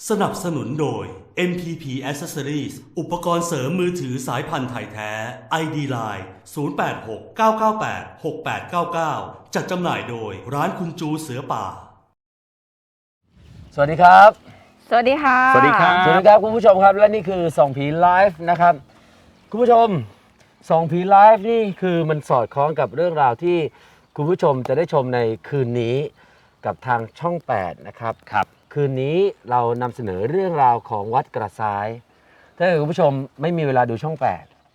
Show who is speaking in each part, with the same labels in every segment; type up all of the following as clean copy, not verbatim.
Speaker 1: สนับสนุนโดย MPP Accessories อุปกรณ์เสริมมือถือสายพันธุ์ไทยแท้ ID Line 0869986899 จัดจำหน่ายโดยร้านคุณจูเสือป่า
Speaker 2: สวัสดีครับ
Speaker 3: สวัสดีค่ะ
Speaker 2: สวัสดีครับสวัสดีครับคุณผู้ชมครับและนี่คือส่องผีไลฟ์นะครับคุณผู้ชมส่องผีไลฟ์นี่คือมันสอดคล้องกับเรื่องราวที่คุณผู้ชมจะได้ชมในคืนนี้กับทางช่อง8นะครับ
Speaker 4: ครับ
Speaker 2: คืนนี้เรานำเสนอเรื่องราวของวัดกระซ้ายถ้าคุณผู้ชมไม่มีเวลาดูช่อง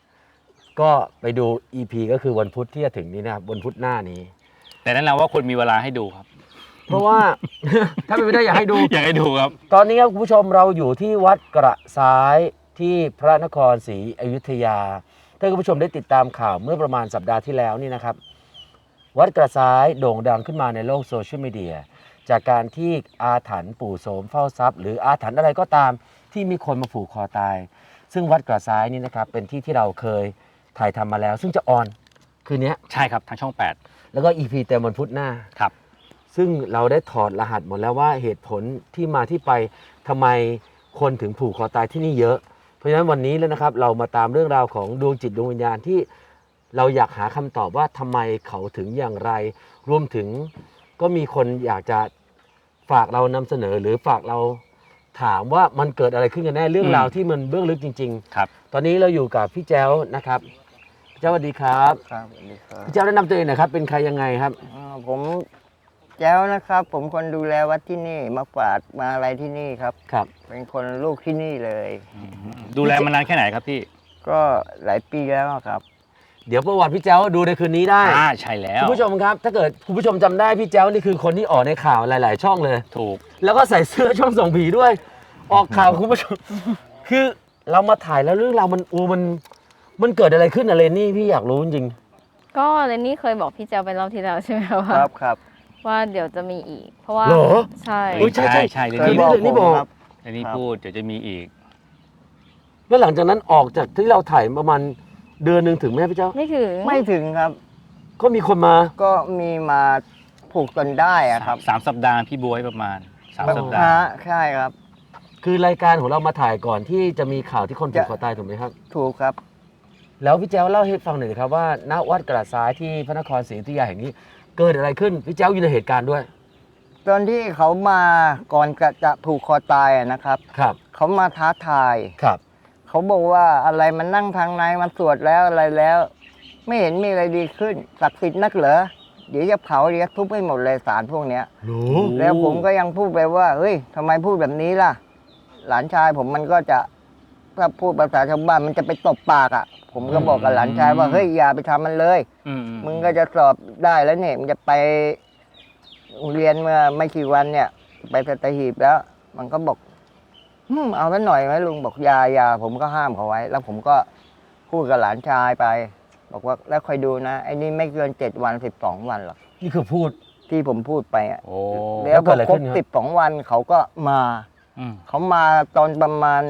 Speaker 2: 8ก็ไปดู EP ก็คือวันพุธที่จะถึงนี้นะครับวันพุธหน้านี้
Speaker 4: แต่แนะนำว่าคนมีเวลาให้ดูครับ
Speaker 2: เพราะว่า ถ้าไม่ได้อยากให้ดู
Speaker 4: อยากให้ดูครับ
Speaker 2: ตอนนี้ครับคุณผู้ชมเราอยู่ที่วัดกระซ้ายที่พระนครศรีอยุธยาถ้าคุณผู้ชมได้ติดตามข่าวเมื่อประมาณสัปดาห์ที่แล้วนี่นะครับวัดกระซ้ายโด่งดังขึ้นมาในโลกโซเชียลมีเดียจากการที่อาถรรพ์ปู่โสมเฝ้าทรัพย์หรืออาถรรพ์อะไรก็ตามที่มีคนมาผูกคอตายซึ่งวัดกระซ้ายนี่นะครับเป็นที่ที่เราเคยถ่ายทำมาแล้วซึ่งจะออนคืนนี้
Speaker 4: ใช่ครับทางช่อง8
Speaker 2: แล้วก็ EP เต็มวันพุธหน้า
Speaker 4: ครับ
Speaker 2: ซึ่งเราได้ถอดรหัสหมดแล้วว่าเหตุผลที่มาที่ไปทำไมคนถึงผูกคอตายที่นี่เยอะเพราะฉะนั้นวันนี้แล้วนะครับเรามาตามเรื่องราวของดวงจิตดวงวิญญาณที่เราอยากหาคำตอบว่าทำไมเขาถึงอย่างไรรวมถึงก็มีคนอยากจะฝากเรานำเสนอหรือฝากเราถามว่ามันเกิดอะไรขึ้นกันแน่เรื่องราวที่มันเบื้องลึกจริง
Speaker 4: ๆครับ
Speaker 2: ตอนนี้เราอยู่กับพี่แจ้วนะครับพี่แจ้วสวัสดีครับ
Speaker 5: ครับสวัสดีครับ
Speaker 2: พี่แจ้วแนะนำตัวเองหน่อยครับเป็นใครยังไงครับ
Speaker 5: ผมแจ้วนะครับผมคนดูแลวัดที่นี่มาฝาดมาอะไรที่นี่ครับ
Speaker 2: ครับ
Speaker 5: เป็นคนลูกที่นี่เลย
Speaker 4: ดูแลมานานแค่ไหนครับพี่
Speaker 5: ก็หลายปีแล้วครับ
Speaker 2: เดี๋ยวประวัติพี่แจ้วดูในคืนนี้ได้
Speaker 4: ใช่แล้ว
Speaker 2: คุณผู้ชมครับถ้าเกิดคุณผู้ชมจำได้พี่แจ้วนี่คือคนที่ออกในข่าวหลายๆช่องเลย
Speaker 4: ถูก
Speaker 2: แล้วก็ใส่เสื้อช่องส่องผีด้วยออกข่าวคุณผู้ชมคือเรามาถ่ายแล้วเรื่องราวมันเกิดอะไรขึ้นอะไรนี่พี่อยากรู้จริง
Speaker 3: ก็เรนนี่เคยบอกพี่เจ้าไปรอบที่แล้วใช่ไหมว่า
Speaker 5: ครับ
Speaker 3: ว่าเดี๋ยวจะมีอีกเพราะว่าใช่
Speaker 4: ใช่
Speaker 2: เลยนี่บอก
Speaker 4: อันนี้พูดเดี๋ยวจะมีอีก
Speaker 2: แล้วหลังจากนั้นออกจากที่เราถ่ายประมาณเดือนหนึ่งถึงไหมพี่เจ้า
Speaker 3: ไม่
Speaker 5: ถึงครับ
Speaker 2: ก็มีคนมา
Speaker 5: ก็มีมาผูกจนได้อะครับ
Speaker 4: 3 สัปดาห์พี่บวยประมาณ3 สัปดาห์
Speaker 5: ใช่ครับ
Speaker 2: คือรายการของเรามาถ่ายก่อนที่จะมีข่าวที่คนผูกคอตายถูกไหมครับ
Speaker 5: ถูกครับ
Speaker 2: แล้วพี่แจ้วเล่าให้ฟังหน่อยครับว่าณวัดกระซ้ายที่พระนครศรีอยุธยาแห่งนี้เกิดอะไรขึ้นพี่แจ้วอยู่ในเหตุการณ์ด้วย
Speaker 5: ตอนที่เขามาก่อนจะผูกคอตายนะครับเขามาท้าทายเขาบอกว่าอะไรมันนั่งทางในมันสวดแล้วอะไรแล้วไม่เห็นมีอะไรดีขึ้นศักดิ์สิทธิ์นักเหรอเดี๋ยวจะเผาเดี๋ยวทุบให้หมดเลยสารพวกเนี้ยแล้วผมก็ยังพูดไปว่าเฮ้ยทำไมพูดแบบนี้ล่ะหลานชายผมมันก็จะถ้าพูดภาษาชาวบ้านมันจะไปตบปากอ่ะผมก็บอกกับหลานชายว่าเฮ้ยอย่าไปทำมันเลยมึงก็จะสอบได้แล้วเนี่ยมันจะไปเรียนเมื่อไม่กี่วันเนี่ยไปสัตหีบแล้วมันก็บอกเอาไว้หน่อยไหมลุงบอกยาผมก็ห้ามเขาไว้แล้วผมก็พูดกับหลานชายไปบอกว่าแล้วคอยดูนะไอ้นี่ไม่เกิน7 วัน12 วันหรอก
Speaker 2: นี่คือพูด
Speaker 5: ที่ผมพูดไปอ่ะแล้วพอครบ12 วันเขาก็มาเขามาตอนประมาณ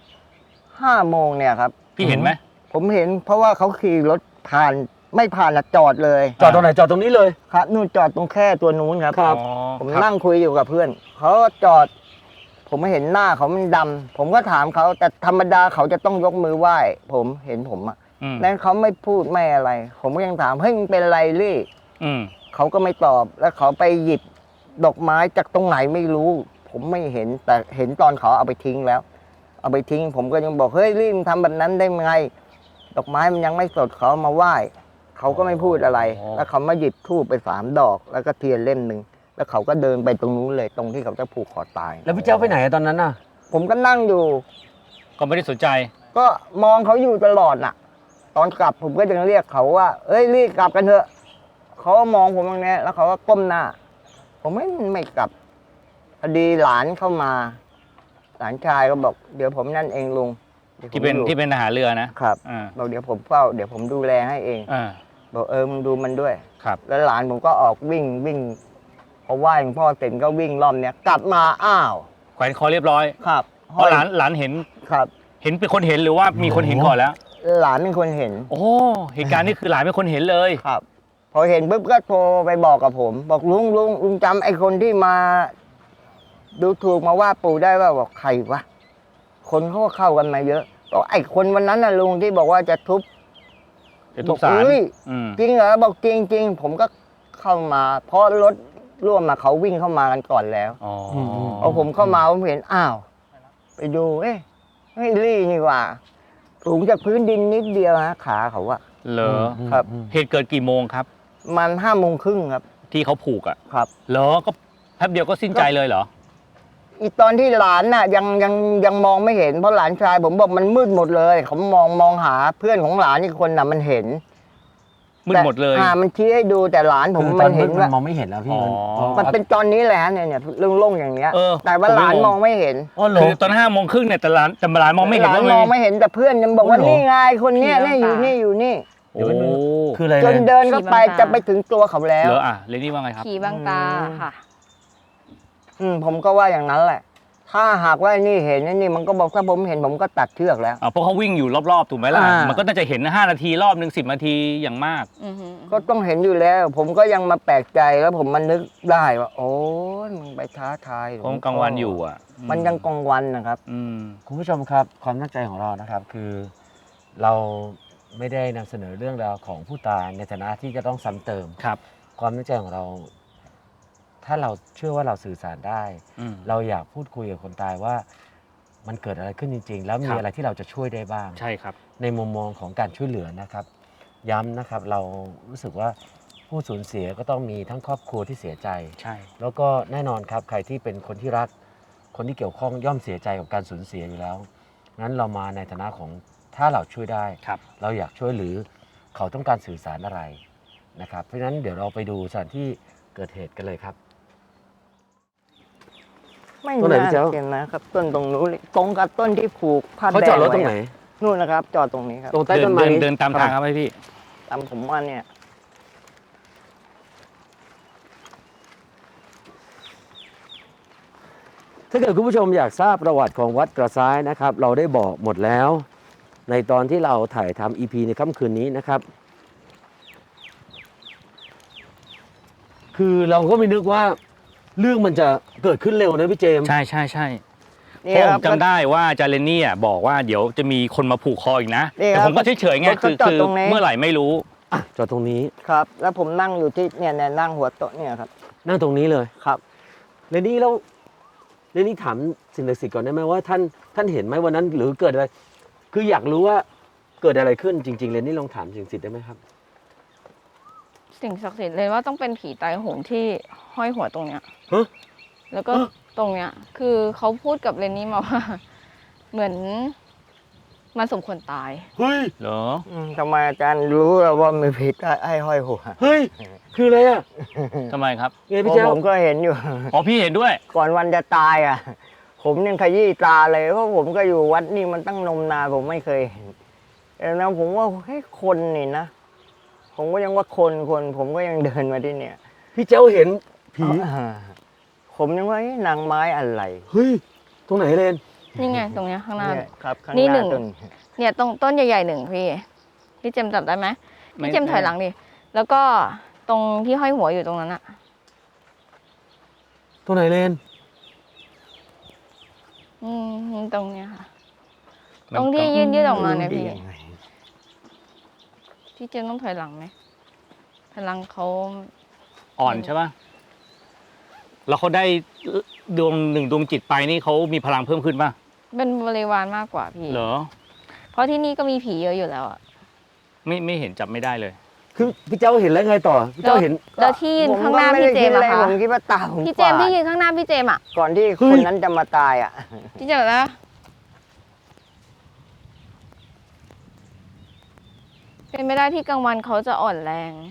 Speaker 5: 5 โมงเนี่ยครับ
Speaker 4: พี่เห็นไหม
Speaker 5: ผมเห็นเพราะว่าเขาขี่รถผ่านไม่ผ่านนะจอดเลย
Speaker 2: จอดตรงไหนจอดตรงนี้เลย
Speaker 5: ครับนู่นจอดตรงแค่ตัวนู้นครับผมนั่งคุยอยู่กับเพื่อนเขาจอดผมไม่เห็นหน้าเขามันดำผมก็ถามเขาแต่ธรรมดาเขาจะต้องยกมือไหว้ผมเห็นผมอ่ะนั้นเขาไม่พูดไม่อะไรผมก็ยังถามเฮ้ยมึงเป็นไรลี่เขาก็ไม่ตอบแล้วเขาไปหยิบดอกไม้จากตรงไหนไม่รู้ผมไม่เห็นแต่เห็นตอนเขาเอาไปทิ้งแล้วเอาไปทิ้งผมก็ยังบอกเฮ้ยลี่มึงทำแบบนั้นได้ไงดอกไม้มันยังไม่สดเขามาไหว้เขาก็ไม่พูดอะไรแล้วเขามาหยิบธูปไป3 ดอกแล้วก็เทียนเล่มหนึ่งแล้วเขาก็เดินไปตรงนู้นเลยตรงที่เขาจะผูกคอตาย
Speaker 2: แล้วพี่เจ้าไปไหนตอนนั้นน่ะ
Speaker 5: ผมก็นั่งอยู่
Speaker 4: ก็ไม่ได้สนใจ
Speaker 5: ก็มองเขาอยู่ตลอดน่ะตอนกลับผมก็ยังเรียกเขาว่าเอ้ยรีบกลับกันเถอะเขามองผมอย่างนี้แล้วเขาก็ก้มหน้าผมไม่กลับพอดีหลานเข้ามาหลานชายก็บอกเดี๋ยวผมนั่นเองลุง
Speaker 4: ที่เป็นทหารเรือ
Speaker 5: นะครับบอกเดี๋ยวผมเฝ้าเดี๋ยวผมดูแลให้เองบอกมึงดูมันด้วยแล้วหลานผมก็ออกวิ่งพอไหว้หลวงพ่อเสร็จก็วิ่งรอบเนี้ยกลับมาอ้าว
Speaker 4: แขวนคอเรียบร้อย
Speaker 5: ครับ
Speaker 4: เพราะหลานเห็น
Speaker 5: ครับ
Speaker 4: เห็นเป็นคนเห็นหรือว่ามีคนเห็นก่อนแล้ว
Speaker 5: หลานเป็นคนเห็น
Speaker 4: โอ้เหตุการณ์นี้คือหลานเป็นคนเห็นเลย
Speaker 5: ครับพอเห็นปุ๊บก็โทรไปบอกกับผมบอกลุงจำไอ้คนที่มาดูถูกมาว่าปู่ได้ว่าบอกใครวะคนเขาก็เข้ากันมาเยอะบอกไอ้คนวันนั้นน่ะลุงที่บอกว่าจะทุบ
Speaker 4: เดี๋ยวทุบศาล
Speaker 5: บอกเอ้ย
Speaker 4: อืม
Speaker 5: จริงเหรอบอกจริงจริงผมก็เข้ามา เพราะรถร่วมมาเขาวิ่งเข้ามากันก่อนแล้ว
Speaker 4: อ๋อ
Speaker 5: พอผมเข้ามาผมเห็นอ้าว ไปดูเอ๊ะไม่รี่นี่หว่าสูงจากพื้นดินนิดเดียวฮะขาเขาอะ
Speaker 4: เหรอ
Speaker 5: ครับ
Speaker 4: เหตุเกิดกี่โมงครับ
Speaker 5: มัน5 โมงครึ่งครับ
Speaker 4: ที่เขาผูกอ่ะ
Speaker 5: ครับ
Speaker 4: เหรอก็แป๊บเดียวก็สิ้นใจเลยเหรอ
Speaker 5: อีตอนที่หลานน่ะยังมองไม่เห็นเพราะหลานชายผมบอกมันมืดหมดเลยเขามองหาเพื่อนของหลานอีกคนน่ะมันเห็น
Speaker 4: มืดหมดเลย
Speaker 5: แต่มันชี้ให้ดูแต่หลานผม
Speaker 2: คือต
Speaker 5: มั
Speaker 2: อน
Speaker 5: น
Speaker 2: มื
Speaker 5: เห็
Speaker 2: ด
Speaker 5: น
Speaker 2: มัน
Speaker 5: ว่าม
Speaker 2: องไม่เห็นแล้วพี่
Speaker 4: อ๋อ
Speaker 5: มันเป็นตอนนี้แหละเนี่ยโล่งๆอย่างเนี้ย
Speaker 4: เออ
Speaker 5: แต่ว่าหลานมองไม่เห็น
Speaker 2: อ๋อเหรอ
Speaker 4: คือตอน5 โมงครึ่งเนี่ยแต่หลานมองไม่เห็น
Speaker 5: หลา
Speaker 4: ว่าน
Speaker 5: มองไม่เห็นแต่เพื่อนยังบอกว่า
Speaker 2: โอ้โห
Speaker 5: นี่ไงคนเนี้ย
Speaker 3: ผี
Speaker 5: เนี่ยอยู่
Speaker 3: บางตา
Speaker 5: นี่
Speaker 4: โอ้
Speaker 2: คืออะไร
Speaker 5: จน
Speaker 2: เลย
Speaker 5: เดินเข้าไป
Speaker 3: ผีบางตา
Speaker 5: จะไปถึงตัวเขาแล้ว
Speaker 4: เหรออ่ะเรนนี่ว่าไงครับ
Speaker 3: ผีบางตาค่ะ
Speaker 5: ผมก็ว่าอย่างนั้นแหละ ถ้าหากว่านี่เห็นนี่มันก็บอกถ้าผมเห็นผมก็ตัดเชือกแล้ว
Speaker 4: อ่ะเพราะเขาวิ่งอยู่รอบๆถูกไหมล่ะ
Speaker 5: อ่ามั
Speaker 4: มันก็น่าจะเห็น5 นาทีรอบหนึ่ง10 นาทีอย่างมาก
Speaker 3: อือหือ
Speaker 5: ก็ต้องเห็นอยู่แล้ว ผมก็ยังมาแปลกใจแล้วผมมันนึกได้ว่า โอ้ยมึงไปท้าทาย
Speaker 4: เพราะมันกลางวันอยู่อ่ะ
Speaker 5: มันยังกลางวันนะครับ
Speaker 4: อืม
Speaker 2: คุณผู้ชมครับความตั้งใจของเรานะครับคือเราไม่ได้นำเสนอเรื่องราวของผู้ตายในฐานะที่จะต้องซ้ำเติม
Speaker 4: ครับ
Speaker 2: ความตั้งใจของเรา ถ้าเราเชื่อว่าเราสื่อสารได้
Speaker 4: อืม
Speaker 2: เราอยากพูดคุยกับคนตายว่ามันเกิดอะไรขึ้นจริง ๆ แล้วมี
Speaker 4: ครับ
Speaker 2: อะไรที่เราจะช่วยได้บ้าง
Speaker 4: ใช่ครับ
Speaker 2: ในมุมมองของการช่วยเหลือนะครับ ย้ำนะครับเรารู้สึกว่าผู้สูญเสียก็ต้องมีทั้งครอบครัวที่เสียใจ
Speaker 4: ใช่
Speaker 2: แล้วก็แน่นอนครับใครที่เป็นคนที่รัก คนที่เกี่ยวข้องย่อมเสียใจกับการสูญเสียอยู่แล้วงั้นเรามาในฐานะของถ้าเราช่วยได้
Speaker 4: ครับ
Speaker 2: เราอยากช่วยหรือเขาต้องการสื่อสารอะไรนะครับ เพราะฉะนั้นเดี๋ยวเราไปดูสถานที่เกิดเหตุกันเลยครับ
Speaker 5: ไม่
Speaker 2: ต้นไหน
Speaker 5: น่า
Speaker 2: พี่เจ้า
Speaker 5: เห็นนะครับ ต้นตรงนู้นเลยตรงกับต้นที่ผูกผ้า
Speaker 2: เขา
Speaker 5: แด
Speaker 2: จอด
Speaker 5: ง
Speaker 2: รถตรงไหน
Speaker 5: ว้นู่นนะครับ จอดตรงนี้ครับ
Speaker 2: ตรงใต้
Speaker 4: เดิ
Speaker 2: ต้
Speaker 4: น
Speaker 2: นไม้
Speaker 4: เดินตามทางครับพี่
Speaker 5: ตามผมว่าเนี่ย
Speaker 2: ถ้าเกิดคุณผู้ชมอยากทราบประวัติของวัดกระซ้ายนะครับ เราได้บอกหมดแล้ว ในตอนที่เราถ่ายทำ EP ในค่ำคืนนี้นะครับ คือเราก็ไม่นึกว่าเรื่องมันจะเกิดขึ้นเร็วนะพี่เจมส์
Speaker 4: ใช่ใช่ใช่
Speaker 5: นี่
Speaker 4: เพราะ
Speaker 5: ค
Speaker 4: ผ
Speaker 5: รับ
Speaker 4: มจำได้ว่าอาจารย์เรนนี่อ่ะบอกว่าเดี๋ยวจะมีคนมาผูกคออีกนะ
Speaker 5: นี่
Speaker 4: แต่
Speaker 5: ครับ
Speaker 4: ผมก็เฉยๆไง
Speaker 5: รถเขา
Speaker 4: คือ
Speaker 5: จอดตรงนี้
Speaker 4: เมื่อไหร่ไม่รู้
Speaker 2: อ่ะจอดตรงนี้
Speaker 5: ครับ แล้วผมนั่งอยู่ที่เนี่ยนั่งหัวโต๊ะเนี่ยครับ
Speaker 2: นั่งตรงนี้เลย
Speaker 5: ครับ
Speaker 2: เรนนี่แล้วเรนนี่ถามสิ่งศักดิ์สิทธิ์ก่อนได้ไหมว่าท่านเห็นไหมวันนั้นหรือเกิดอะไร คืออยากรู้ว่าเกิดอะไรขึ้นจริงๆเรนนี่ลองถามสิ่งศักดิ์สิทธิ์ได้ไหมครับ
Speaker 3: สิ่งศักดิ์สิทธิ์เลยว่าต้องเป็นผีตายโหงที่ห้อยหัวตรงเนี้ย
Speaker 2: ฮะ
Speaker 3: แล้วก็
Speaker 2: ฮะ
Speaker 3: ตรงเนี้ย คือเขาพูดกับเรนนี่มาว่า เหมือนมันสมควรตาย
Speaker 2: เฮ้ย
Speaker 4: เหรอ
Speaker 5: ทำไมอาจารย์รู้ว่ามีผิดไอ้ห้อยหัว
Speaker 2: เฮ้ยคืออะไรอ่ะ
Speaker 4: ทำไมครับ
Speaker 2: ไงพี่เจ้า
Speaker 5: ผมก็เห็นอยู่
Speaker 4: อ๋อพี่เห็นด้วย
Speaker 5: ก่อนวันจะตายอ่ะ ผมยังขยี้ตาเลยเพราะผมก็อยู่วัดนี่มันตั้งนมนานผมไม่เคยเห็นแล้วผมว่าเฮ้ยคนนี่นะ ผมก็ยังว่าคนผมก็ยังเดินมาที่เนี่ย
Speaker 2: พี่เจ้าเห็นผี
Speaker 5: ผมยังว่าเอ๊ะนางไม้อะไร
Speaker 2: เฮ้ยตรงไหนเรน
Speaker 3: นี่ไงตรงเนี้ยข้างหน้า
Speaker 5: เนี่ยครับข้าง
Speaker 3: นี่
Speaker 5: ห
Speaker 3: หนึ่
Speaker 5: น้าง ต้น
Speaker 3: เนี่ยตรงต้นใหญ่ๆหนึ่งพี่เจมส์จับได้ไหม
Speaker 4: ไม่
Speaker 3: พี่เจมส์ถอยหลังดิแล้วก็ตรงที่ห้อยหัวอยู่ตรงนั้นอะ
Speaker 2: ตรงไหนเรน
Speaker 3: ตรงเนี้ยค่ะ
Speaker 4: มัน
Speaker 3: ตรงที่ยื่นออกมาเนี่ย
Speaker 5: ดี
Speaker 3: พี่
Speaker 5: ยังไง
Speaker 3: พี่เจมส์ต้องถอยหลังไหมถอยหลังเขา
Speaker 4: อ่อนใช่ป่ะ แล้วเขาได้ดวงหนึ่งดวงจิตไปนี่เขามีพลังเพิ่มขึ้นป่ะ
Speaker 3: เป็นบริวารมากกว่าพี่
Speaker 4: เหรอ
Speaker 3: เพราะที่นี่ก็มีผีเยอะอยู่แล้วอะ
Speaker 4: ไม่เห็นจับไม่ได้เลย
Speaker 2: คือพี่เจ้าเห็นแล้วไงต่อพี่เจ้าเห็น
Speaker 3: แล้วที่ยืนข้างหน้า
Speaker 5: ผ
Speaker 3: พี่เจมส์
Speaker 5: ก็
Speaker 3: อะ
Speaker 5: ไได้
Speaker 3: คะ
Speaker 5: ผมคิดว่าตาผม
Speaker 3: พี่เจมส์
Speaker 5: ฝาด
Speaker 3: ที่ยืนข้างหน้าพี่เจมส์อะ
Speaker 5: ก่อนที่
Speaker 2: เฮ้
Speaker 5: ค
Speaker 2: ย
Speaker 5: นนั้นจะมาตายอ่ะ
Speaker 3: พี่เจมส์แล้วเป็นไม่ได้ที่กลางวันเขาจะอ่อนแรง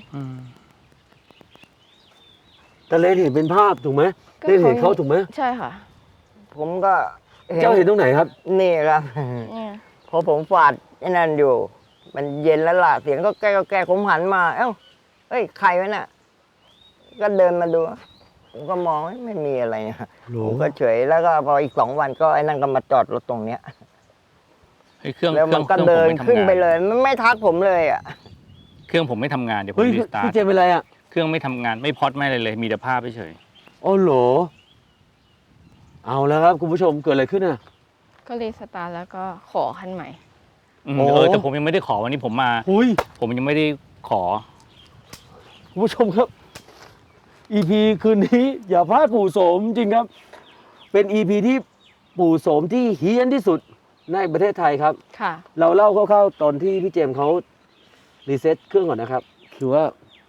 Speaker 2: แต่เรนเห็นเป็นภาพถูกไหม
Speaker 3: ก็
Speaker 2: เรนเห็นเขาถูกไหม
Speaker 3: ใช่ค่ะ
Speaker 5: ผมก็
Speaker 2: เจ้าเห็นตรงไหนครับ
Speaker 5: นี่ครับ
Speaker 3: เนี่ย
Speaker 5: พอผมฝาดไอ้นั่นอยู่ มันเย็นแล้วล่ะ เสียงก็แก้ผมหันมา เอ้าเฮ้ย ใครวะน่ะ ก็เดินมาดู ผมก็มองไม่มีอะไรนะ
Speaker 2: โห
Speaker 5: ผมก็เฉย แล้วก็พออีก2 วันก็ไอ้นั่นก็มาจอดรถตรงเนี้ย
Speaker 4: เฮ้ยเครื่อง
Speaker 5: แล้วมันก็
Speaker 4: ครื่อง
Speaker 5: เดิน
Speaker 4: ผมไม่ทำงา
Speaker 5: ขึ้นไปเลยมันไม่ทักผมเลยอ่ะ
Speaker 4: เครื่องผมไม่ทำงานเดี๋ยวผ
Speaker 2: เฮ้
Speaker 4: ม
Speaker 2: ย
Speaker 4: รีสตาร์
Speaker 2: พี่
Speaker 4: ท
Speaker 2: เจมส์เป็นไรอ่ะ
Speaker 4: เครื่องไม่ทำงานไม่พอดไม่อะไรเลย มีแต่ภาพเฉย
Speaker 2: อ๋อเหรอเอาแล้วครับคุณผู้ชมเกิดอะไรขึ้นอ่ะ
Speaker 3: ก็รีสตาร์ทแล้วก็ขอคันใหม่
Speaker 4: อืม
Speaker 2: โอ้
Speaker 4: แต่ผมยังไม่ได้ขอวันนี้ผมมา
Speaker 2: หุย
Speaker 4: ผมยังไม่ได้ขอ
Speaker 2: คุณผู้ชมครับ EP คืนนี้อย่าพลาดปู่โสมจริงครับ เป็น EP ที่ปู่โสมที่เฮี้ยนที่สุดในประเทศไทยครับ
Speaker 3: ค่ะ
Speaker 2: เราเล่าคร่าวๆตอนที่พี่เจมส์เขารีเซ็ตเครื่องก่อนนะครับ คือว่า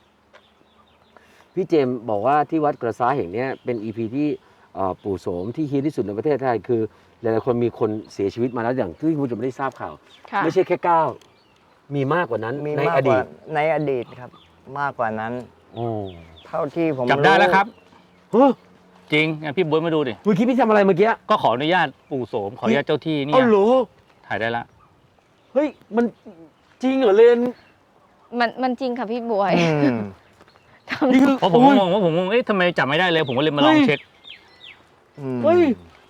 Speaker 2: พี่เจมส์บอกว่าที่วัดกระซ้ายแห่งเนี้ยเป็น EP ที่ปู่โสมที่เฮี้ยนที่สุดในประเทศไทยคือหลายๆคนมีคนเสียชีวิตมาแล้วอย่างที่คุณผู้ชมได้ทราบข่าว
Speaker 3: ค่ะ
Speaker 2: ไม่ใช่แค่9มีมากกว่านั้น
Speaker 5: มี
Speaker 2: ใน
Speaker 5: มาก
Speaker 2: อก ดี
Speaker 5: ว่า
Speaker 2: ต
Speaker 5: ในอดีตครับ มากกว่านั้น
Speaker 2: โอ้
Speaker 5: เท่าที่ผม
Speaker 4: จับได้แล้วครับ
Speaker 2: เฮ้ย
Speaker 4: จริงงั้นพี่บ๊วยมาดูดิ
Speaker 2: เมื่อกี้พี่ทำอะไรเมื่อกี้
Speaker 4: ก็ขออนุญาตปู่โสมขออนุญาตเจ้าที่เนี่
Speaker 2: เอ้าย เหรอ
Speaker 4: ถ่ายได้ละ
Speaker 2: เฮ้ยมันจริงเหรอเลน
Speaker 3: มันจริงค่ะพี่บวย
Speaker 5: อืม
Speaker 2: นี่คือ
Speaker 4: เพราะผม
Speaker 2: โอ้ย
Speaker 4: งงว่าผมงงเอ๊ะทำไมจับไม่ได้เลย ผมก็เลยมาลอง
Speaker 2: เฮ้ย
Speaker 4: เช็ค
Speaker 5: อืม
Speaker 2: เฮ้ย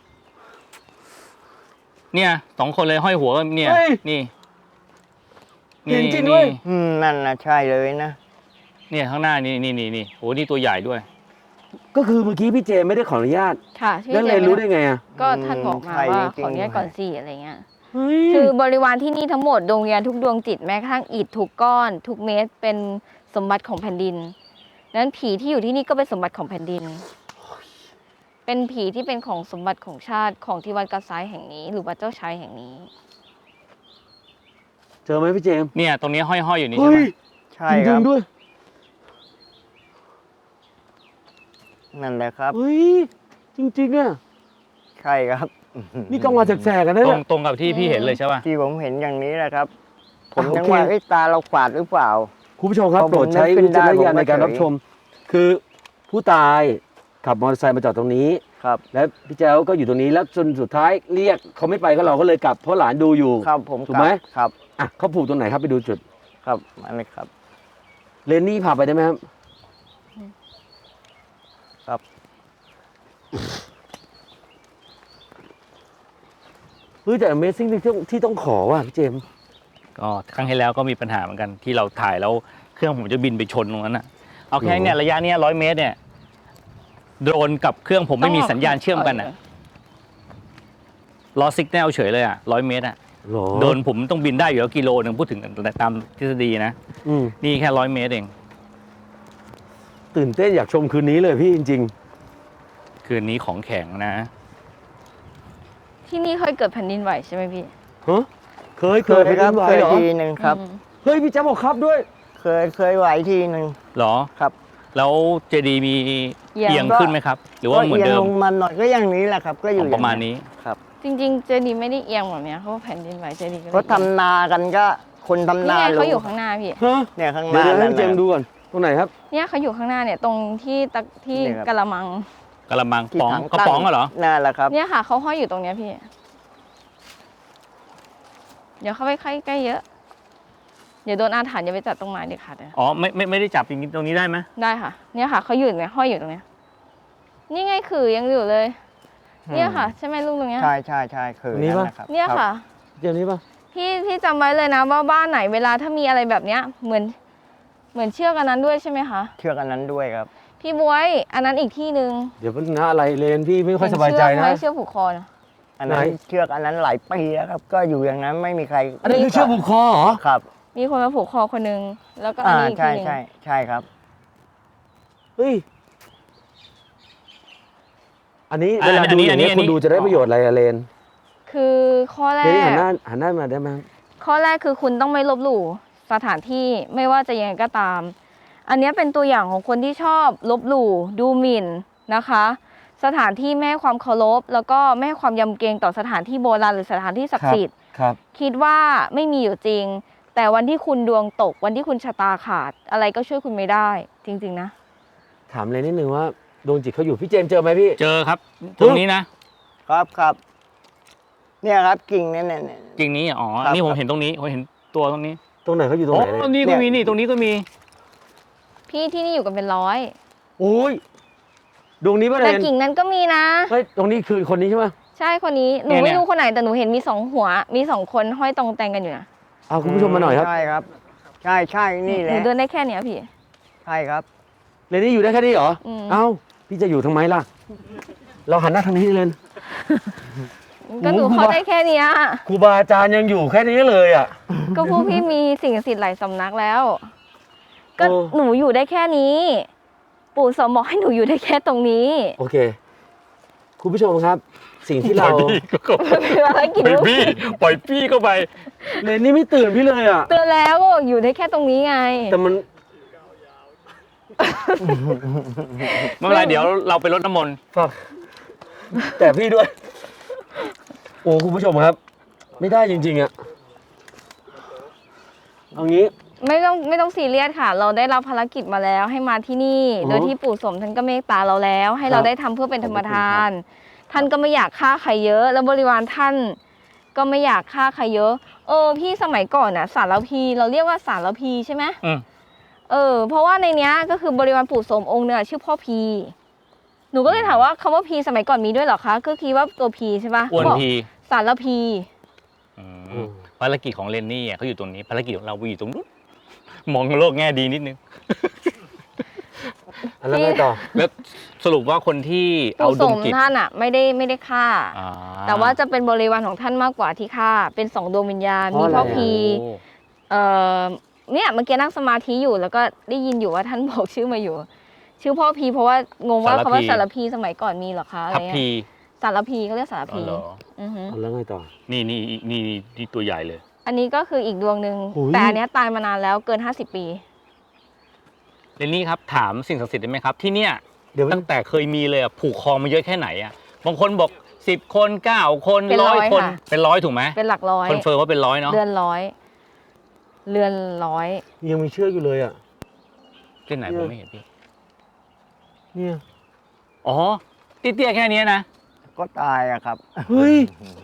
Speaker 4: เนี่ย2 คนเลยห้อยหัวเนี่ย
Speaker 2: เฮ้ย
Speaker 4: นี่
Speaker 2: เห็นจริงด้วย
Speaker 5: นั่นนะใช่เลยนะ
Speaker 4: เนี่ยข้างหน้านี่โอ้นี่ตัวใหญ่ด้วย
Speaker 2: ก็คือเมื่อกี้พี่เจไม่ได้ขออนุญาต
Speaker 3: ค่ะที่
Speaker 2: แล้วเลนรู้ได้ไงอ่ะ
Speaker 3: ก็ท่านบอกมา
Speaker 5: ใช่
Speaker 3: ว่า
Speaker 5: จริงๆ
Speaker 3: ขออนุญาตก่อนสิอะไรเงี้ย
Speaker 2: เฮ้ย
Speaker 3: คือบริวารที่นี่ทั้งหมดดวงวิญญาณทุกดวงจิตแม้กระทั่งอิฐทุกก้อน ทุกเม็ดเป็นสมบัติของแผ่นดินนั้นผีที่อยู่ที่นี่ก็เป็นสมบัติของแผ่นดิน เป็นผีที่เป็นของสมบัติของชาติของที่วัดกระซ้ายแห่งนี้ หรือวัดเจ้าชายแห่งนี้
Speaker 2: เจอไหมพี่เจมส์
Speaker 4: เนี่ยตรงนี้ห้อยอยู่นี่
Speaker 2: เฮ้
Speaker 4: ใช่ไหม
Speaker 2: ย
Speaker 5: ใช่
Speaker 2: จ
Speaker 5: ค
Speaker 2: ริ
Speaker 5: รั
Speaker 2: ง
Speaker 5: บ
Speaker 2: ๆด้วย
Speaker 5: นั่นแหละครับ
Speaker 2: เฮ้ยจริงๆอ่ะ
Speaker 5: ใช่ครับ
Speaker 2: นี่กลางวันแสกๆกันนะ
Speaker 4: ตร
Speaker 2: เนี่
Speaker 4: ง
Speaker 2: ย
Speaker 4: ตรงกับที่พี่เห็นเลยใช่ป่ะ
Speaker 5: ที่ผมเห็นอย่างนี้แหละครับ ผมยัง
Speaker 2: โอเค
Speaker 5: ว่าเอ้ยตาเราฝาดหรือเปล่า
Speaker 2: คุณผู้ชมครับ
Speaker 5: พอผม
Speaker 2: โปรดใช้
Speaker 5: นึกขึ้
Speaker 2: วิ
Speaker 5: น
Speaker 2: จารณ
Speaker 5: ได้
Speaker 2: ญาณ
Speaker 5: ผมก็
Speaker 2: ในการรับ
Speaker 5: เฉย
Speaker 2: ชม คือผู้ตายขับมอเตอร์ไซค์มาจอดตรงนี้
Speaker 5: ครับ
Speaker 2: และพี่แจ้วก็อยู่ตรงนี้แล้วจนสุดท้ายเรียกเขาไม่ไปก็เราก็เลยกลับเพราะหลานดูอยู่
Speaker 5: ครับผม
Speaker 2: ถูกไหม
Speaker 5: ครับ
Speaker 2: อ่ะเขาผูกตรงไหนครับไปดูจุด
Speaker 5: ครับอันนี้ครับ
Speaker 2: เลนนี่พาไปได้ไหมครับ
Speaker 5: ครับ
Speaker 2: เฮ้ยแต่ Amazing ที่ต้องขอว่ะพี่เจมส์
Speaker 4: ก็ครั้งที่แล้วก็มีปัญหาเหมือนกันที่เราถ่ายแล้วเครื่องผมจะบินไปชนตรงนั้นน่ะเอาแค่เนี่ยระยะเนี้ย100 เมตรเนี่ยโดรนกับเครื่องผมไม่มีสัญญาณเชื่อมกันอ่ะลอสิกแนลเฉยเลยอ่ะ100 เมตรอ่ะ
Speaker 2: หรอ
Speaker 4: โดรนผมต้องบินได้อยู่แล้วกิโลนึงพูดถึงตามทฤษฎีนะ
Speaker 2: อืม
Speaker 4: นี่แค่100 เมตรเอง
Speaker 2: ตื่นเต้นอยากชมคืนนี้เลยพี่จริง
Speaker 4: คืนนี้ของแข็งนะ
Speaker 3: ที่นี่เคยเกิดแผ่นดินไหวใช่ไหมพี่
Speaker 2: ๆฮะเคย
Speaker 5: เคย
Speaker 2: ไป
Speaker 5: ครับ
Speaker 2: ไหว
Speaker 5: เคย
Speaker 2: เหรอ
Speaker 5: ทีหนึ่งครับ
Speaker 3: อืม
Speaker 2: เฮ้ยพี่แจ๊บบอกครับด้วย
Speaker 5: เคยไหวทีหนึ่ง
Speaker 4: หรอ
Speaker 5: ครับ
Speaker 4: แล้วเจดีมี
Speaker 3: เอียง
Speaker 4: เอียงขึ้นไหมครับ หรือว่าเหมือน
Speaker 5: ก็
Speaker 4: เดิ
Speaker 5: ยง
Speaker 4: ม
Speaker 5: ลงมาหน่อยก็อย่างนี้แหละครับ ก็อยู่
Speaker 4: ประมาณนี้
Speaker 5: ครับ
Speaker 3: จริงๆเจดีย์ไม่ได้เอียงแบบเนี้ยเพราะว่าแผ่นดินไหวเจดีย์ก็
Speaker 5: เขาทำนากันก็คนทำ
Speaker 3: นี่
Speaker 5: นา
Speaker 3: ไงเขา
Speaker 5: รู้
Speaker 3: อยู่ข้างหน้าพี่
Speaker 2: ฮะ
Speaker 5: เนี่ยข้างห
Speaker 2: เดี๋ย
Speaker 5: น้าว
Speaker 2: ให้
Speaker 5: นั่น
Speaker 2: พี่เจมส์
Speaker 5: น่ะ
Speaker 2: ดูก่อนตรงไหนครับ
Speaker 3: เนี่ยเขาอยู่ข้างหน้าเนี่ยตรงที่ที่
Speaker 5: เนี่ยครับ
Speaker 3: กะละมัง
Speaker 4: กระมัง
Speaker 5: ที่
Speaker 4: ป๋อง
Speaker 5: ถัง
Speaker 4: กระป๋องเหรอ
Speaker 5: นั่นแหละครับ
Speaker 3: เนี่ยค่ะเขาห้อยอยู่ตรงเนี้ยพี่ เดี๋ยวเข้าไปใกล้ๆเยอะ เดี๋ยวโดนอาถรรพ์อย่าไปจับตรงไม้เด็ดขาดเลย
Speaker 4: อ๋อไม่ได้จับอย่างนี้ตรงนี้ได้ไหม
Speaker 3: ได้ค่ะ เนี่ยค่ะเขาอยู่เนี่ยห้อยอยู่ตรงเนี้ย นี่ไงคือยังอยู่เลย เนี่ยค่ะ ใช่ไหมลุงตรงเนี้ย
Speaker 5: ใช่คือ
Speaker 2: นี่ปะ
Speaker 5: แหลครับ
Speaker 3: เนี่ยค่ะ
Speaker 2: เจมส์นี้ปะ
Speaker 3: พี่จำไว้เลยนะว่าบ้านไหนเวลาถ้ามีอะไรแบบเนี้ยเหมือนเชือกอันนั้นด้วยใช่ไหมคะ
Speaker 5: เชือกอันนั้นด้วยครับ
Speaker 3: พี่บวยอันนั้นอีกที่หนึ่ง
Speaker 2: เดี๋ยวมันนะอะไรเลนพี่ไม่ค่อยสบายใจนะ
Speaker 3: เห็เชือกไหมเชือกผูกคอนะ
Speaker 5: อันนั้น
Speaker 2: ไหน
Speaker 5: เชือกอันนั้นหลายปีแล้วครับ ก็อยู่อย่างนั้นไม่มีใคร
Speaker 2: อันนี้คือเชือกผูกคอเหรอ
Speaker 5: ครับ
Speaker 3: มีคนมาผูกคอคนหนึงแล้วก็อันนี้อีก
Speaker 5: ใช่
Speaker 3: ทีหนึง
Speaker 5: ใช่ครับ
Speaker 2: เฮ้ยอันนี้เวลาดูอย่างนี้ยคนดูจะได้ประโยชน์อะไรอะเลน
Speaker 3: คือข้อแร
Speaker 2: เลนนี่
Speaker 3: ก
Speaker 2: หันหน้ามาได้ไหม
Speaker 3: ข้อแรกคือคุณต้องไม่ลบหลู่สถานที่ไม่ว่าจะยังไงก็ตาม อันเนี้ยเป็นตัวอย่างของคนที่ชอบลบหลู่ดูหมิ่นนะคะ สถานที่ไม่ให้ความเคารพแล้วก็ไม่ให้ความยำเกรงต่อสถานที่โบราณหรือสถานที่ศักดิ์สิทธิ์
Speaker 2: ครับ
Speaker 3: คิดว่าไม่มีอยู่จริง แต่วันที่คุณดวงตก วันที่คุณชะตาขาด อะไรก็ช่วยคุณไม่ได้ จริง ๆ นะ
Speaker 2: ถามเลยนิดนึงว่าดวงจิตเขาอยู่พี่เจมส์เจอไหมพี่
Speaker 4: เจอครับ ตรงนี้นะ
Speaker 5: ครับเนี่ยครับกิ่งเนี่ย
Speaker 4: จริงนี้อ๋อ
Speaker 5: ครับ
Speaker 4: นี่ผมเห็นตรงนี้ผมเห็นตัวตรงนี้
Speaker 2: ตรงไหนเขาอยู่ตรง
Speaker 4: อ๋
Speaker 2: ไหนเลย
Speaker 4: อนี่ก็มีนี่ตรงนี้ก็มี
Speaker 3: พี่ที่นี่อยู่กันเป็นร้อย
Speaker 2: โอ้ยดวงนี้ป่ะเล
Speaker 3: แต่
Speaker 2: น
Speaker 3: กิ่งนั้นก็มีนะ
Speaker 2: เฮ้ยตรงนี้คือคนนี้ใช่ไหม
Speaker 3: ใช่คนนี้หนูไม่รู้คนไหนแต่หนูเห็นมีสองหัว มีสองคนห้อยตรงแตงกันอยู่นะ
Speaker 2: เอาคุณผู้ชมมาหน่อยครับ
Speaker 5: ใช่ครับ ใช่นี่แห
Speaker 3: หนู
Speaker 5: ละ
Speaker 3: เดินได้แค่เนี้ยพี่
Speaker 5: ใช่ครับ
Speaker 2: เลนนี่อยู่ได้แค่นี้เหรอ
Speaker 3: อืม
Speaker 2: เอ้าพี่จะอยู่ทำไมล่ะเราหันหน้าทางนี้เลย
Speaker 3: ก็หนู
Speaker 2: โอ้โห
Speaker 3: เข้าได้แค่เนี้ย
Speaker 2: ครูบาอาจารย์ยังอยู่แค่นี้เลยอ่ะ
Speaker 3: ก็พวกพี่มีสิ่งศักดิ์สิทธิ์หลายสำนักแล้ว ก็
Speaker 2: โอ้
Speaker 3: หนูอยู่ได้แค่นี้ ปู่สมบอกให้หนูอยู่ได้แค่ตรงนี้
Speaker 2: โอเค คุณผู้ชมครับ สิ่งที่เรา
Speaker 3: เป็นภารกิจ
Speaker 4: ปล่อยพี่เข้าไป
Speaker 2: เลนนี่ไม่ตื่นพี่เลยอ่ะ
Speaker 3: เตือนแล้วก็อยู่ได้แค่ตรงนี้ไง
Speaker 2: แต่มัน
Speaker 4: ไม่เป็นไรเดี๋ยวเราไปรดน้ำมนต์
Speaker 2: ฝากแต่พี่ด้วย โอ้คุณผู้ชมครับ ไม่ได้จริงๆอ่ะเอางี้
Speaker 3: ไม่ต้องซีเรียสค่ะ เราได้รับภารกิจมาแล้วให้มาที่นี่
Speaker 2: อ๋อ
Speaker 3: โดยที่ปู่สมท่านก็เมตตาเราแล้ว ให้เรา
Speaker 2: ครับ
Speaker 3: ได้ทำเพื่อเป็นธรรมทาน
Speaker 2: ขอบคุณครั
Speaker 3: ท่านก็ไม่อยากฆ่าใครเยอะ แล้วบริวารท่านก็ไม่อยากฆ่าใครเยอะ พี่สมัยก่อนน่ะสารพีเราเรียกว่าสารพีใช่ไหม
Speaker 4: อืม
Speaker 3: เพราะว่าในเนี้ยก็คือบริวารปู่สมองค์เนี่ยชื่อพ่อพีหนูก็เลยถามว่าคำว่าพีสมัยก่อนมีด้วยเหรอคะก็คิดว่าตัวพีใช่ปะ
Speaker 4: อ้วน
Speaker 3: บอก
Speaker 4: พี
Speaker 3: สารพี
Speaker 4: อืมภารกิจของเรนนี่เขาอยู่ตรงนี้ภารกิจของเราอยู่ตรงนู้นมองโลกแง่ดีนิดนึง
Speaker 2: แล้วไงต่อ
Speaker 4: แล้วสรุปว่าคนที่เอา
Speaker 3: ปู่
Speaker 4: ด
Speaker 3: ส
Speaker 4: วง
Speaker 3: ม
Speaker 4: จิต
Speaker 3: ท่านอ่ะไม่ได้ฆ่า
Speaker 4: อ่า
Speaker 3: แต่ว่าจะเป็นบริวารของท่านมากกว่าที่ฆ่าเป็นสองดวงวิญญาณ
Speaker 2: เพราะ
Speaker 3: มี
Speaker 2: อะไร
Speaker 3: พ่อ
Speaker 2: อ่ะ
Speaker 3: พี
Speaker 4: โอ้
Speaker 3: เนี่ยเมื่อกี้นั่งสมาธิอยู่แล้วก็ได้ยินอยู่ว่าท่านบอกชื่อมาอยู่ ชื่อพ่อพีเพราะว่างงว่าคำว่าสารพีสมัยก่อนมีเหรอคะอะไร
Speaker 4: ทัพ
Speaker 3: เงี้
Speaker 4: พี
Speaker 3: ยสารพีเขาเรียกสาร
Speaker 4: อ๋อ
Speaker 3: พี
Speaker 4: เหรอ
Speaker 3: อือฮึ
Speaker 2: เอาแล้วไงต่อ
Speaker 4: นี่ตัวใหญ่เลย
Speaker 3: อันนี้ก็คืออีกดวงหนึ่ง
Speaker 2: โอ้ย
Speaker 3: แต่อันเนี้ยตายมานานแล้วเกิน 50 ปี
Speaker 4: เรนนี่ครับถามสิ่งศักดิ์สิทธิ์ได้ไหมครับ ที่เนี่ย
Speaker 2: เดี๋ยว
Speaker 4: ตั้งแต่เคยมีเลยอะผูกคอมาเยอะแค่ไหนอะบางคนบอก10 คน9 คน
Speaker 3: เป็นร้อย
Speaker 4: 100 คน
Speaker 3: ค่ะ
Speaker 4: เป็นร้อยถูกไหม
Speaker 3: เป็นหลักร้อย
Speaker 4: คอนเฟิร์มว่าเป็นร้อยเนาะ
Speaker 3: เรือนร้อย เรือนร้อย
Speaker 2: ยังมีเชือกอยู่เลยอ่ะ
Speaker 4: ที่ไหนผมไม่เห็นพี่
Speaker 2: เนี่ย
Speaker 4: อ๋อเตี้ยๆแค่เนี้ยนะ
Speaker 5: ก็ตายอะครับ
Speaker 2: เฮ้ย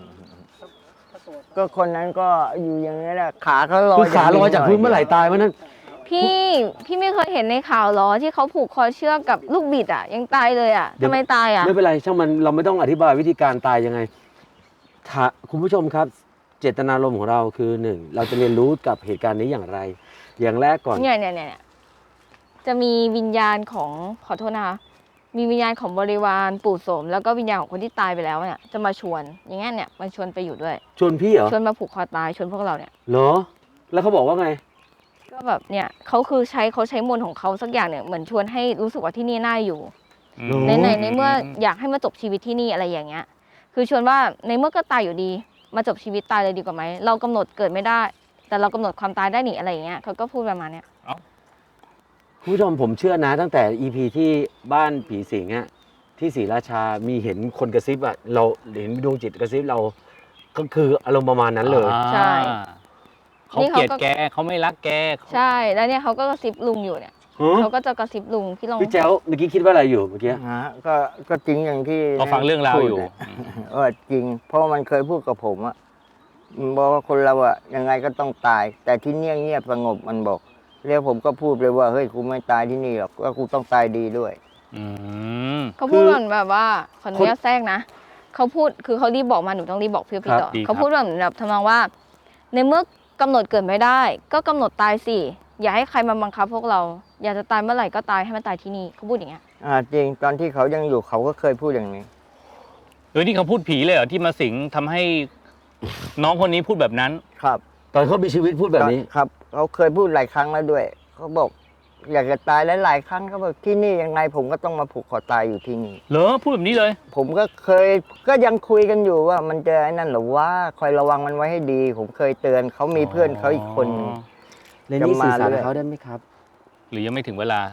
Speaker 5: ก็คนนั้นก็อยู่อย่างนี้แหละขาเขาลอย
Speaker 2: คือขาลอยจากพื้นเมื่อไหร่ตายเมื่อนั้น
Speaker 3: พี่ไม่เคยเห็นในข่าวเหรอที่เขาผูกคอเชือกกับลูกบิดอ่ะ ยังตายเลยอ่ะ
Speaker 2: เดี๋ยว
Speaker 3: ทำไมตายอ่ะ
Speaker 2: ไม่เป็นไรช่างมันเราไม่ต้องอธิบายวิธีการตายยังไงคุณผู้ชมครับ เจตนารมณ์ของเราคือหนึ่งเราจะเรียนรู้กับเหตุการณ์นี้อย่างไร อย่างแรกก่อน
Speaker 3: เนี่ยจะมีวิญญาณของขอโทษนะคะมีวิญญาณของบริวารปู่โสมแล้วก็วิญญาณของคนที่ตายไปแล้วเนี่ยจะมาชวนอย่างเงี้ยเนี่ยมาชวนไปอยู่ด้วย
Speaker 2: ชวนพี่เหรอ
Speaker 3: ชวนมาผูกคอตายชวนพวกเราเนี่ย
Speaker 2: เหรอ แล้วเขาบอกว่าไง
Speaker 3: ก็แบบเนี่ยเขาคือเขาใช้มนต์ของเขาสักอย่างเนี่ยเหมือนชวนให้รู้สึกว่าที่นี่น่าอยู่
Speaker 2: อืม
Speaker 3: ในเมื่ออยากให้มาจบชีวิตที่นี่อะไรอย่างเงี้ย คือชวนว่าในเมื่อก็ตายอยู่ดี มาจบชีวิตตายเลยดีกว่าไหมเรากำหนดเกิดไม่ได้ แต่เรากำหนดความตายได้หนิอะไรอย่างเงี้ยเขาก็พูดประมาณเนี้ย
Speaker 2: คุณผู้ชมผมเชื่อนะ ตั้งแต่ EP ที่บ้านผีสิงอะที่ศรีราชามีเห็นคนกระซิบอะเราเห็นดวงจิตกระซิบเราก็คืออารมณ์ประมาณนั้นเลย
Speaker 3: ใช่
Speaker 4: เขาเกลียดแกเขาไม่รักแก
Speaker 3: ใช่แล้วเนี่ยเขาก็กระซิบลุงอยู่เนี่ย
Speaker 2: ฮะ
Speaker 3: เขาก็จะกระซิบลุงพี่ลอง
Speaker 2: พี่แจ้วเมื่อกี้คิดว่าอะไรอยู่เมื่อกี้
Speaker 5: ฮะก็จริงอย่างที่
Speaker 4: เราฟังเรื่องราวอยู่
Speaker 5: พูดะจริง เพราะมันเคยพูดกับผมอะมันบอกว่าคนเราอะยังไงก็ต้องตาย แต่ที่เงียบสงบมันบอกแล้วผมก็พูดเลยว่าเฮ้ยกูไม่ตายที่นี่หรอกก็กูต้องตายดีด้วย
Speaker 4: อืม
Speaker 3: เขาพูดเหมือนแบบว่าขออนุญาตแทรกนะเขาพูดคือเขารีบบอกมาหนูต้องรีบบอกพี่ต่อ
Speaker 4: ดีครับ
Speaker 3: เขาพูดแบบทำนองว่า ในเมื่อกำหนดเกิดไม่ได้ ก็กำหนดตายสิอย่าให้ใครมาบังคับพวกเรา อยากจะตายเมื่อไหร่ก็ตายให้มันตายที่นี่เขาพูดอย่างเงี้ย
Speaker 5: จริงตอนที่เขายังอยู่เขาก็เคยพูดอย่างนี้
Speaker 4: นี่เขาพูดผีเลยเหรอที่มาสิงทำให้น้องคนนี้พูดแบบนั้น
Speaker 5: ครับ
Speaker 2: ตอนเขามีชีวิตพูดแบบนี้
Speaker 5: ครับเขาเคยพูดหลายครั้งแล้วด้วยเขาบอก อยากจะตายหลายๆครั้งเขาบอกที่นี่ยังไงผมก็ต้องมาผูกคอตายอยู่ที่นี่
Speaker 4: เหรอพูดแบบนี้เลย
Speaker 5: ผมก็เคยก็ยังคุยกันอยู่ว่ามันจะไอ้นั่นเหรอว่าคอยระวังมันไว้ให้ดี ผมเคยเตือนเขามีเพื่อนเขาอีกคนหนึ่ง
Speaker 2: เลนนี่สื่อสาร
Speaker 5: จะมาเรื่
Speaker 2: กับ
Speaker 5: อย
Speaker 2: เขาได้ไหมครับ
Speaker 4: หรือยังไม่ถึงเวลา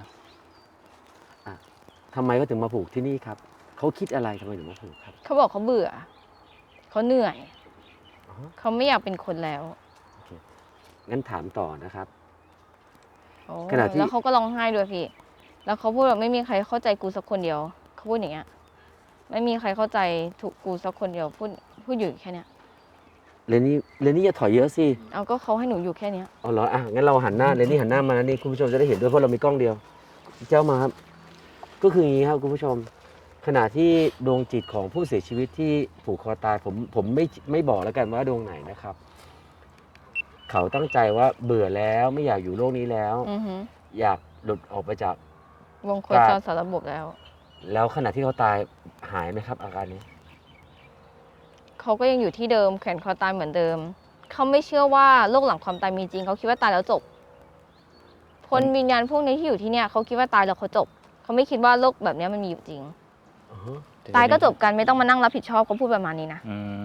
Speaker 2: ทำไมเขาถึงมาผูกที่นี่ครับเขาคิดอะไรทำไมถึงมาผูกครับ
Speaker 3: เขาบอกเขาเบื่อเขาเหนื่อย
Speaker 2: อ๋อ
Speaker 3: เขาไม่อยากเป็นคนแล้ว
Speaker 2: งั้นถามต่อนะครับ
Speaker 3: โอ้
Speaker 2: ขณะที่
Speaker 3: แล้วเขาก็ร้องไห้ด้วยพี่ แล้วเขาพูดแบบไม่มีใครเข้าใจกูสักคนเดียวเขาพูดอย่างเงี้ยไม่มีใครเข้าใจถูกกูสักคนเดียวพูดอยู่แค่เนี้ย
Speaker 2: เลนนี่อย่าถอยเยอะสิ
Speaker 3: เอาก็เขาให้หนูอยู่แค่เนี้ย
Speaker 2: เอาเหรองั้นเราหันหน้าเลนนี่หันหน้ามาแล้วนี่คุณผู้ชมจะได้เห็นด้วยเพราะเรามีกล้องเดียวเจ้ามาครับ ก็คืออย่างนี้ครับคุณผู้ชม ขณะที่ดวงจิตของผู้เสียชีวิตที่ผูกคอตายผมไม่บอกแล้วกันว่าดวงไหนนะครับ เขาตั้งใจว่าเบื่อแล้วไม่อยากอยู่โลกนี้แล้ว
Speaker 3: อือฮึ
Speaker 2: อยากหลุดออกไปจาก
Speaker 3: วงโคจรสารระบบแล้ว
Speaker 2: แล้วขณะที่เขาตายหายไหมครับอาการนี้
Speaker 3: เขาก็ยังอยู่ที่เดิมแขวนคอตายเหมือนเดิม เขาไม่เชื่อว่าโลกหลังความตายมีจริง เขาคิดว่าตายแล้วจบ คนวิญญาณพวกนี้ที่อยู่ที่เนี่ยเขาคิดว่าตายแล้วเขาจบ เขาไม่คิดว่าโลกแบบนี้มันมีอยู่จริง ตายก็จบกันไม่ต้องมานั่งรับผิดชอบเขาพูดประมาณนี้นะ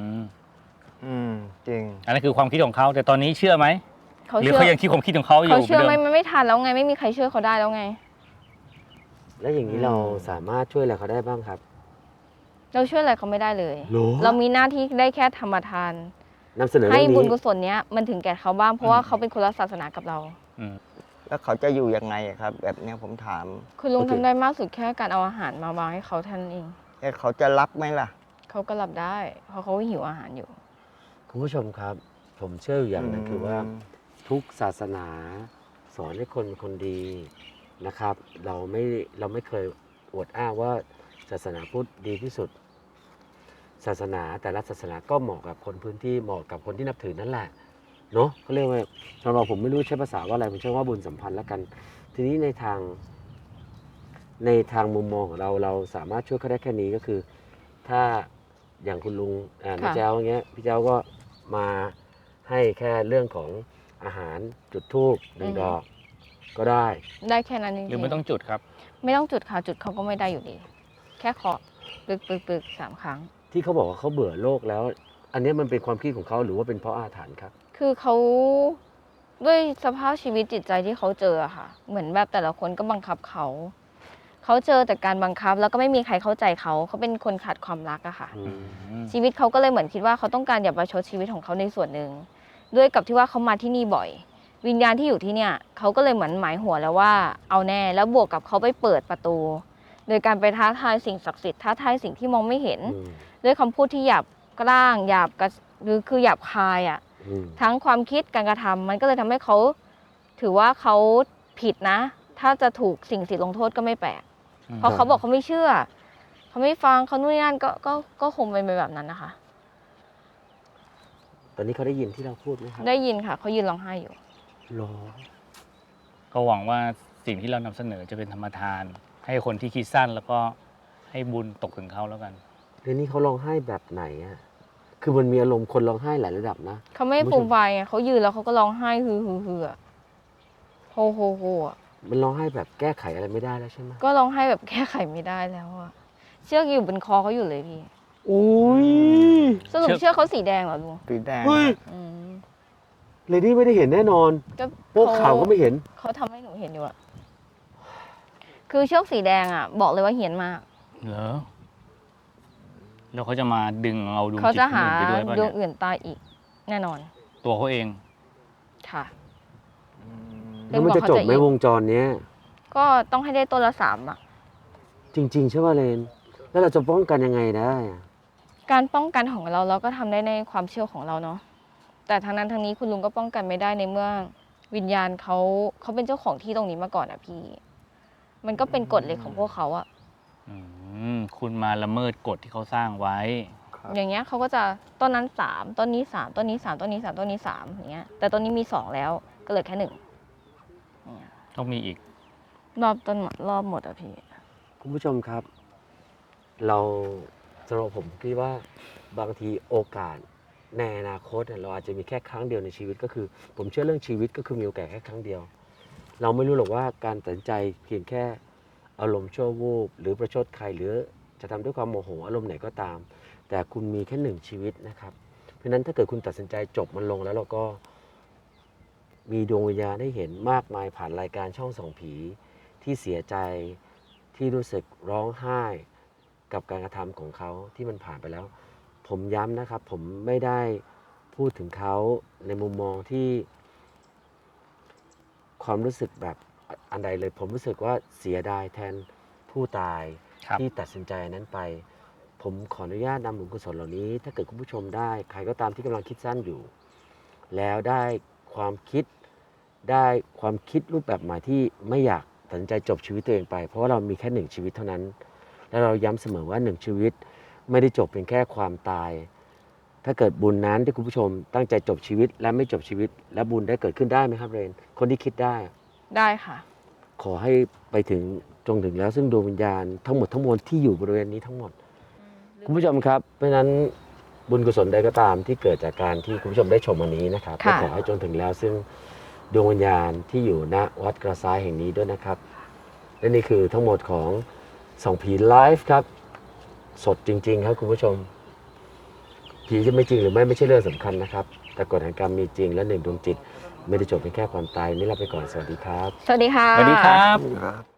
Speaker 5: จริง
Speaker 4: อันนั้นคือความคิดของเขาแต่ตอนนี้เชื่อไหม
Speaker 3: เขา
Speaker 4: หรือ
Speaker 3: เชื่อ
Speaker 4: เขายังคิดความคิดของเขาอยู่
Speaker 3: เขาเชื่อ
Speaker 4: หมืน
Speaker 3: ไม่
Speaker 4: ดิ
Speaker 3: ไม่ทันแล้วไง ไม่มีใครช่วยเขาได้แล้วไง
Speaker 2: แล้วอย่างนี้เราสามารถช่วยอะไรเขาได้บ้างครับ
Speaker 3: เราช่วยอะไรเขาไม่ได้เลย
Speaker 2: หรอ
Speaker 3: เรามีหน้าที่ได้แค่ธรรมทาน
Speaker 2: นำเสนอ
Speaker 3: ให้
Speaker 2: เรื่อง
Speaker 3: บุญ
Speaker 2: นี้
Speaker 3: กุศลเนี้ยมันถึงแก่เขาบ้างเพราะว่าเขาเป็นคนละศาสนากับเรา
Speaker 4: อืม
Speaker 5: แล้วเขาจะอยู่ยังไงอะครับ แบบเนี้ยผมถาม
Speaker 3: คุณลุงทำได้มากสุดแค่การเอาอาหารมาวางให้เขาเท่านั้นเอง
Speaker 5: แค่เขาจะรับไหมล่ะ
Speaker 3: เขาก็รับได้ เพราะเขาหิวอาหารอยู่
Speaker 2: คุณผู้ชมครับ ผมเชื่ออยู่อย่างหนึงคือว่า ทุกศาสนาสอนให้คนเป็นคนดีนะครับ เราไม่เคยอวดอ้างว่าศาสนาพุทธดีที่สุด ศาสนาแต่ละศาสนาก็เหมาะกับคนพื้นที่เหมาะกับคนที่นับถือนั่นแหละเนาะเขาเรียกว่าสำหรับผมไม่รู้ใช้ภาษาว่าอะไรผมเชื่อว่าบุญสัมพันธ์แล้วกัน ทีนี้ในทางมุมมองของเราสามารถช่วยเขาได้แค่นี้ก็คือ ถ้าอย่างคุณลุงน้าแจ้วอย่างเงี้ยพี่แจ้วก็มาให้แค่เรื่องของอาหารจุดธูปหนึ่ง
Speaker 3: อือฮึ
Speaker 2: ดอกก็ได้
Speaker 3: ได้แค่นั้นจริง
Speaker 4: หรือไม่ต้องจุดครับ
Speaker 3: ไม่ต้องจุดค่ะจุดเขาก็ไม่ได้อยู่ดี แค่เคาะปึก3 ครั้ง
Speaker 2: ที่เขาบอกว่าเขาเบื่อโลกแล้ว อันเนี้ยมันเป็นความคิดของเขาหรือว่าเป็นเพราะอาถรรพ์ครับ
Speaker 3: คือเขาด้วยสภาพชีวิตจิตใจที่เขาเจออะค่ะ เหมือนแบบแต่ละคนก็บังคับเขา เขาเจอแต่การบังคับ แล้วก็ไม่มีใครเข้าใจเขาเป็นคนขาดความรักอะค่ะ ชีวิตเขาก็เลยเหมือนคิดว่าเขาต้องการอย่าประชดชีวิตของเขาในส่วนหนึ่งด้วยกับที่ว่าเขามาที่นี่บ่อย วิญญาณที่อยู่ที่เนี่ยเขาก็เลยเหมือนหมายหัวแล้วว่าเอาแน่แล้วบวกกับเขาไปเปิดประตู โดยการไปท้าทายสิ่งศักดิ์สิทธิ์ท้าทายสิ่งที่มองไม่เห็น ด้วยคำพูดที่หยาบกร้างหยาบกระหรือคือหยาบคายอ่ะทั้งความคิดการกระทำมันก็เลยทำให้เขาถือว่าเขาผิดนะ ถ้าจะถูกสิ่งลงโทษก็ไม่แปลกเพราะเขาบอกเขาไม่เชื่อ เขาไม่ฟังเขานู่นนี่นั่นก็คงเป็นไปแบบนั้นนะคะ
Speaker 2: ตอนนี้เขาได้ยินที่เราพูดไหมครับ
Speaker 3: ได้ยินค่ะเขายืนร้องไห้อยู่
Speaker 2: หรอ
Speaker 4: ก็หวังว่าสิ่งที่เรานำเสนอจะเป็นธรรมทาน ให้คนที่คิดสั้นแล้วก็ให้บุญตกถึงเขาแล้วกัน
Speaker 2: เรื่องนี้เขาร้องไห้แบบไหนอะคือมันมีอารมณ์คนร้องไห้หลายระดับนะ
Speaker 3: เขาไม่ฟูมไฟไงเขายืนแล้วเขาก็ร้องไห้ฮืออะโฮโฮโฮอะ
Speaker 2: มันร้องไห้แบบแก้ไขอะไรไม่ได้แล้วใช่ไหม
Speaker 3: ก็ร้องไห้แบบแก้ไขไม่ได้แล้วอะเชือกอยู่บนคอเขาอยู่เลยพี่
Speaker 2: อุ้ย
Speaker 3: สรุปเชือกเขาสีแดงเหรอลุง
Speaker 5: สีแดง
Speaker 2: เฮ้ย
Speaker 3: อืม
Speaker 2: เลดี้ไม่ได้เห็นแน่นอน
Speaker 3: ก็
Speaker 2: พวกข่าวก็ไม่เห็น
Speaker 3: เขาทำให้หนูเห็นอยู่อะคือเชือกสีแดงอะบอกเลยว่าเหียนมาก
Speaker 4: เหรอ แล้วเขาจะมาดึงเอาดวง
Speaker 3: เขา
Speaker 4: จิต
Speaker 3: จะ
Speaker 4: คน
Speaker 3: หา
Speaker 4: อื่นไปด้วยป่ะ
Speaker 3: ดวง
Speaker 4: เนี่ย
Speaker 3: อื่นตายอีก แน่นอน
Speaker 4: ตัวเขาเอง
Speaker 3: ค่ะ
Speaker 2: แล้วมันจะจบไหมวงจรเนี้ย
Speaker 3: ก็ต้องให้ได้ต้นละ3อะ
Speaker 2: จริง ๆ ใช่ป่ะเลน แล้วเราจะป้องกันยังไงได้อะ
Speaker 3: การป้องกันของเราก็ทำได้ในความเชื่อของเราเนาะแต่ทางนั้นทางนี้คุณลุงก็ป้องกันไม่ได้ในเมื่อวิญญาณเขาเป็นเจ้าของที่ตรงนี้มาก่อนอะพี่ มันก็เป็นกฎเหล็กของพวกเขาอะ
Speaker 4: คุณมาละเมิดกฎที่เขาสร้างไว้
Speaker 3: อย่างเงี้ยเขาก็จะต้นนั้น3ต้นนี้3ต้นนี้3ต้นนี้3ต้นนี้3อย่างเงี้ยแต่ต้นนี้มี2แล้วก็เหลือแค่1เนี่ย
Speaker 4: ต้องมีอีก
Speaker 3: รอบต้นรอบหมดอะพี่
Speaker 2: คุณผู้ชมครับ เราสำหรับผมคิดว่าบางทีโอกาสในอนาคตเนี่ยเราอาจจะมีแค่ครั้งเดียวในชีวิตก็คือ ผมเชื่อเรื่องชีวิตก็คือมีโอกาสแค่ครั้งเดียว เราไม่รู้หรอกว่าการตัดสินใจเพียงแค่อารมณ์ชั่ววูบหรือประชดใครหรือจะทำด้วยความโมโหอารมณ์ไหนก็ตาม แต่คุณมีแค่1ชีวิตนะครับ เพราะฉะนั้นถ้าเกิดคุณตัดสินใจจบมันลงแล้วเราก็ มีดวงวิญญาณได้เห็นมากมายผ่านรายการช่องส่องผีที่เสียใจที่รู้สึกร้องไห้กับการกระทำของเขาที่มันผ่านไปแล้ว ผมย้ำนะครับ ผมไม่ได้พูดถึงเขาในมุมมองที่ความรู้สึกแบบอันใดเลย ผมรู้สึกว่าเสียดายแทนผู้ตาย
Speaker 4: ครับ
Speaker 2: ที่ตัดสินใจอันนั้นไป ผมขออนุญาตนำบุญกุศลเหล่านี้ ถ้าเกิดคุณผู้ชมได้ใครก็ตามที่กำลังคิดสั้นอยู่ แล้วได้ความคิดรูปแบบใหม่ที่ไม่อยากตัดสินใจจบชีวิตตัวเองไป เพราะว่าเรามีแค่1ชีวิตเท่านั้น แล้วเราย้ำเสมอว่า1ชีวิตไม่ได้จบเพียงแค่ความตาย ถ้าเกิดบุญนั้นที่คุณผู้ชมตั้งใจจบชีวิตและไม่จบชีวิต และบุญได้เกิดขึ้นได้ไหมครับเรนคนที่คิดได้
Speaker 3: ได้ค่ะ
Speaker 2: ขอให้ไปถึงจงถึงแล้วซึ่งดวงวิญญาณทั้งหมดทั้งมวลที่อยู่บริเวณนี้ทั้งหมดคุณผู้ชมครับเพราะฉะนั้นบุญกุศลใดก็ตามที่เกิดจากการที่คุณผู้ชมได้ชมวันนี้นะครับก็ขอให้จงถึงแล้วซึ่งดวงวิญญาณที่อยู่ณวัดกระซ้ายแห่งนี้ด้วยนะครับและนี่คือทั้งหมดของส่องผีไลฟ์ครับสดจริงๆครับคุณผู้ชมผีจะไม่จริงหรือไม่ใช่เรื่องสำคัญนะครับแต่กฎแห่งกรรมมีจริงและหนึ่งดวงจิตไม่ได้จบเพียงแค่ความตายนี่ลาไปก่อนสวัสดีครับ
Speaker 3: สวัสดีค่ะ
Speaker 4: สวัสดีครับ
Speaker 5: ครับ